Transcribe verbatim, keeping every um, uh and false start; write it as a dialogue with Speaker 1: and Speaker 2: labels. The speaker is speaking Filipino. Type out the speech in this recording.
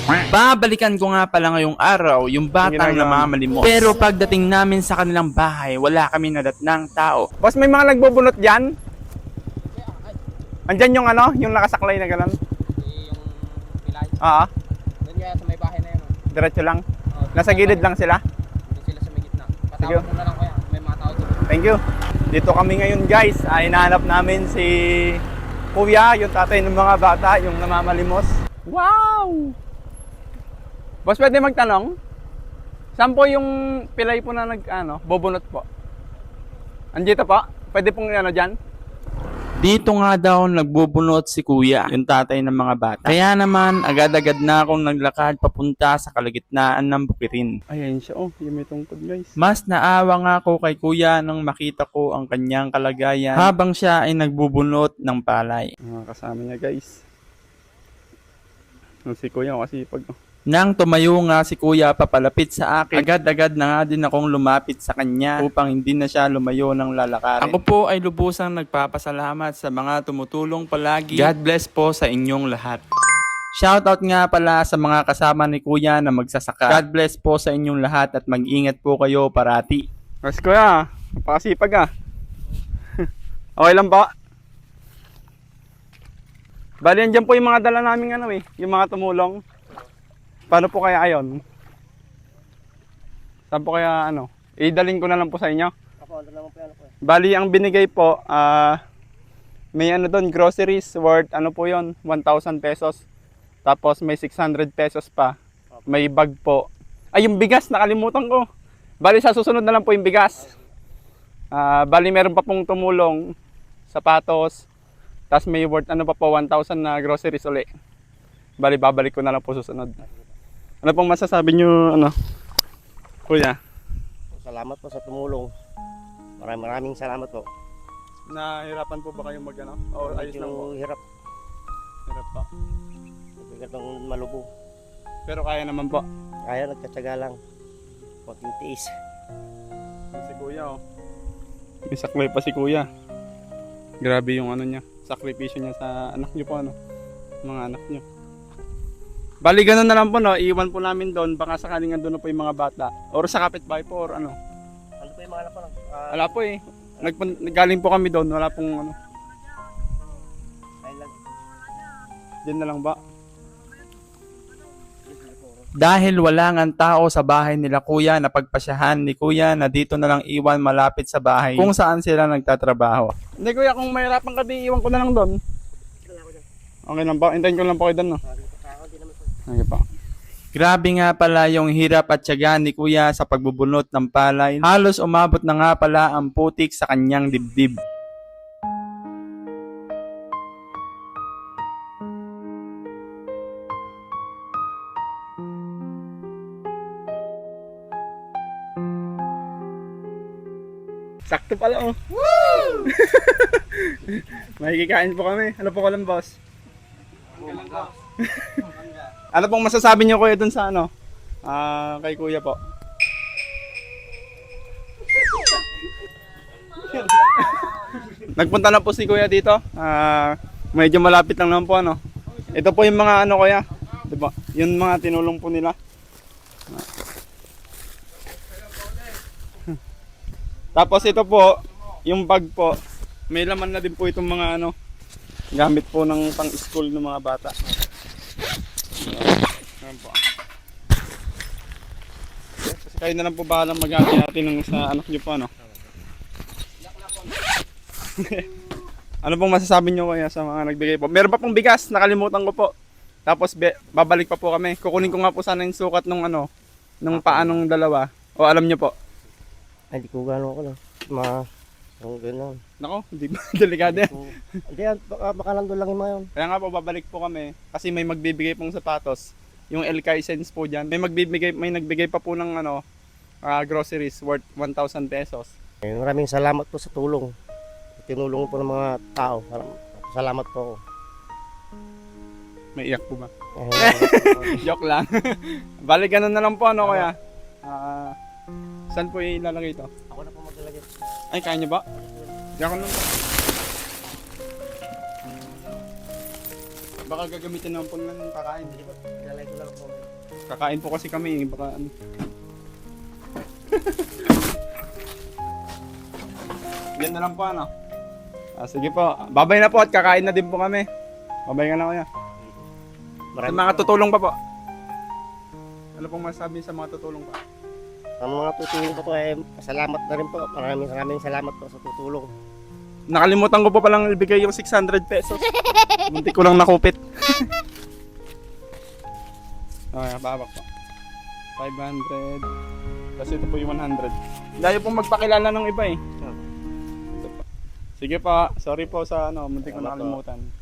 Speaker 1: Babalikan ko nga pala ngayong araw yung batang namamalimos. Pero pagdating namin sa kanilang bahay, wala kami nadatnang tao.
Speaker 2: Boss, may mga nagbubunot dyan? Andyan yung ano, yung nakasaklay na gano'n?
Speaker 3: Yung pilay.
Speaker 2: Oo,
Speaker 3: Doon kaya sa may bahay na yun. Oh.
Speaker 2: diretso lang.
Speaker 3: Oh,
Speaker 2: Nasa gilid lang sila.
Speaker 3: Doon sila sa may gitna.
Speaker 2: Sige.
Speaker 3: Patawag mo na lang kaya. May mga tao doon.
Speaker 2: Thank you. Dito kami ngayon guys, ay hinahanap namin si Kuya, yung tatay ng mga bata, yung namamalimos. Wow! Boss, pwede magtanong? Saan po yung pilay po na nag, ano, bubunot po? Andito po? Pwede pong ano dyan?
Speaker 1: Dito nga daw nagbubunot si kuya, yung tatay ng mga bata. Kaya naman, agad-agad na akong naglakad papunta sa kalagitnaan ng bukirin.
Speaker 2: Ayan siya, oh, yung may tungkod guys.
Speaker 1: Mas naawa nga ako kay kuya nang makita ko ang kanyang kalagayan habang siya ay nagbubunot ng palay.
Speaker 2: Mga kasama niya guys. Si Kuya kasi pag...
Speaker 1: Nang tumayo nga si kuya papalapit sa akin, agad-agad na nga din akong lumapit sa kanya upang hindi na siya lumayo ng lalakarin. Ako po ay lubusang nagpapasalamat sa mga tumutulong palagi. God bless po sa inyong lahat. Shoutout nga pala sa mga kasama ni kuya na magsasaka. God bless po sa inyong lahat at mag-ingat po kayo parati.
Speaker 2: Mas Kuya, napakasipag ah. Okay lang ba? Bali, andyan po yung mga dala namin ano eh, yung mga tumulong. Paano po kaya ayon? Saan po kaya ano? Idalhin ko na lang po sa inyo.
Speaker 3: Ako, ano naman po yan.
Speaker 2: Bali, ang binigay po, ah, may ano doon, groceries worth, ano po yon, one thousand pesos. Tapos may six hundred pesos pa. May bag po. Ay, yung bigas, nakalimutan ko. Bali, sa susunod na lang po yung bigas. Ah, bali, meron pa pong tumulong, sapatos. Tapos may worth, ano pa po, one thousand na groceries uli. Bali, babalik ko na lang po susunod. Ano pong masasabi nyo, ano, Kuya?
Speaker 3: Salamat po sa tumulong. Maraming maraming salamat po.
Speaker 2: Nahirapan po ba kayong mag, ano? O ayos lang po?
Speaker 3: hirap.
Speaker 2: Hirap po.
Speaker 3: Bigat ng malubo.
Speaker 2: Pero kaya naman po.
Speaker 3: Kaya nagkatsaga lang. Konting tiis.
Speaker 2: Si Kuya, oh. May saklay pa si Kuya. Grabe yung ano niya, sakripisyo niya sa anak niyo po, ano? Mga anak niyo. Bali, ganun na lang po, no? Iwan po namin doon. Baka sakaling andun na po yung mga bata. Or sa kapitbahay po, or ano.
Speaker 3: Ano po yung mga anak ko lang? Uh,
Speaker 2: Wala po eh. Nagpun- Galing po kami doon. Wala pong ano.
Speaker 3: Ayun lang.
Speaker 2: Diyan na lang ba?
Speaker 1: Dahil wala ngang tao sa bahay nila kuya, napagpasyahan ni kuya na dito na lang iwan malapit sa bahay kung saan sila nagtatrabaho.
Speaker 2: Hindi Kuya, kung mahirapan ka di, iwan ko na lang doon. Okay lang ba? Hintayin ko lang po kayo doon, no? Okay pa.
Speaker 1: Grabe nga pala yung hirap at tiyaga ni kuya sa pagbubunot ng palay. Halos umabot na nga pala ang putik sa kanyang dibdib.
Speaker 2: Sakto pala, oh. Woo! Makikikain po kami. Ano po ko lang, boss? Ano pong masasabi niyo, Kuya, dun sa ano? Ah, kay Kuya po. Nagpunta na po si Kuya dito. Ah, medyo malapit lang naman po, ano. Ito po yung mga ano, Kuya. 'Di ba? Yung mga tinulong po nila. Tapos ito po, yung bag po, may laman na din po itong mga ano, gamit po ng pang-school ng mga bata. Ayan po. Kasi kayo na lang po bahalang mag-ati-ati ng sa anak nyo po, ano. Ano pong masasabi nyo kaya sa mga nagbigay po? Meron pa pong bigas, nakalimutan ko po. Tapos be, babalik pa po kami. Kukunin ko nga po sana yung sukat nung ano, nung paanong dalawa. O alam nyo po?
Speaker 3: Ay, di ko gano'n ako lang. Ma... Ang gano'n.
Speaker 2: Nako, hindi ba? Delikado yan.
Speaker 3: Hindi, baka, baka nandun lang yung mga yun.
Speaker 2: Kaya nga po, babalik po kami. Kasi may magbibigay pong sapatos. Yung L K Sense po dyan. May magbibigay, may nagbigay pa po ng ano, uh, groceries worth one thousand pesos.
Speaker 3: Eh, maraming salamat po sa tulong. Tinulong po ng mga tao. Salamat po ako.
Speaker 2: May iyak po ba?
Speaker 3: Eh,
Speaker 2: Joke lang. Balik ganun na lang po, ano kaya? Ah... Saan po ilalagay ito?
Speaker 3: Ako na po maglalagay.
Speaker 2: Ay, kaya nyo ba? Diyan ko lang po. Baka gagamitin naman po ng kakain.
Speaker 3: Ilalay ko lang po.
Speaker 2: Kakain po kasi kami, baka ano. Yan na lang po ano. Ah, sige po. Babay na po at kakain na din po kami. Babay ka na kuya. Sa mga tutulong pa po. Ano pong masabi sa mga tutulong pa?
Speaker 3: Ang mga tutulong po po ay salamat na rin po. Maraming maraming salamat po sa tutulong.
Speaker 2: Nakalimutan ko po palang ibigay yung six hundred pesos. Munti ko lang nakupit. Okay, babak po. five hundred. Tapos ito po yung one hundred. Layo pong magpakilala ng iba eh. Ito po. Sige pa, sorry po sa ano, munti ko
Speaker 3: Salamat po.
Speaker 2: nakalimutan.